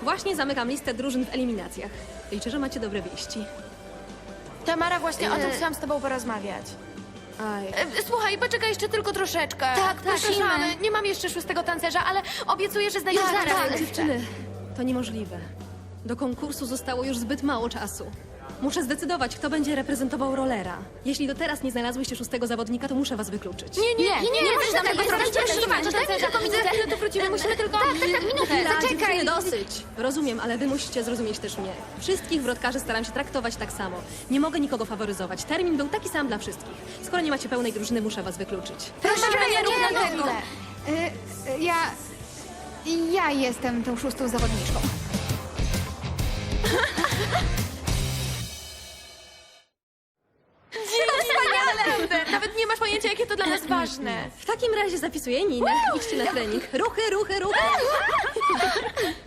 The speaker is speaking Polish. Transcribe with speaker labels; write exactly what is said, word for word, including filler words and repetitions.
Speaker 1: Właśnie zamykam listę drużyn w eliminacjach. Liczę, że macie dobre wieści.
Speaker 2: Tamara, właśnie o tym
Speaker 3: E.
Speaker 2: chciałam z tobą porozmawiać.
Speaker 1: Aj.
Speaker 2: E, Słuchaj, poczekaj jeszcze tylko troszeczkę.
Speaker 3: Tak, prosimy.
Speaker 2: Przepraszamy, nie mam jeszcze szóstego tancerza, ale obiecuję, że znajdziemy
Speaker 3: Już
Speaker 2: zaraz.
Speaker 3: zaraz.
Speaker 2: jeszcze.
Speaker 1: Dziewczyny, to niemożliwe. Do konkursu zostało już zbyt mało czasu. Muszę zdecydować, kto będzie reprezentował rolera. Jeśli do teraz nie znalazłyście szóstego zawodnika, to muszę was wykluczyć.
Speaker 2: Nie, nie,
Speaker 3: Nie,
Speaker 2: nie, nie,
Speaker 3: nie
Speaker 2: nie,
Speaker 3: możesz
Speaker 2: możesz
Speaker 3: nam tego zrobić, prosimy.
Speaker 2: Zobacz, daj mi tylko minutę, chwilę tu wrócimy, musimy tylko...
Speaker 3: Tak, tak, tak, minutę,
Speaker 1: Chwila,
Speaker 3: zaczekaj.
Speaker 1: dziewczyny, dosyć. Rozumiem, ale wy musicie zrozumieć też mnie. Wszystkich wrotkarzy staram się traktować tak samo. Nie mogę nikogo faworyzować. Termin był taki sam dla wszystkich. Skoro nie macie pełnej drużyny, muszę was wykluczyć.
Speaker 3: Proszę, nie rób
Speaker 2: nie,
Speaker 3: nam
Speaker 2: nie,
Speaker 3: tego.
Speaker 4: Y, y, ja... Ja jestem tą szóstą zawodniczką.
Speaker 2: Wspaniale! Nawet nie masz pojęcia, jakie to dla nas ważne.
Speaker 1: W takim razie zapisuję Ninę. Idźcie na trening. Ruchy, ruchy, ruchy!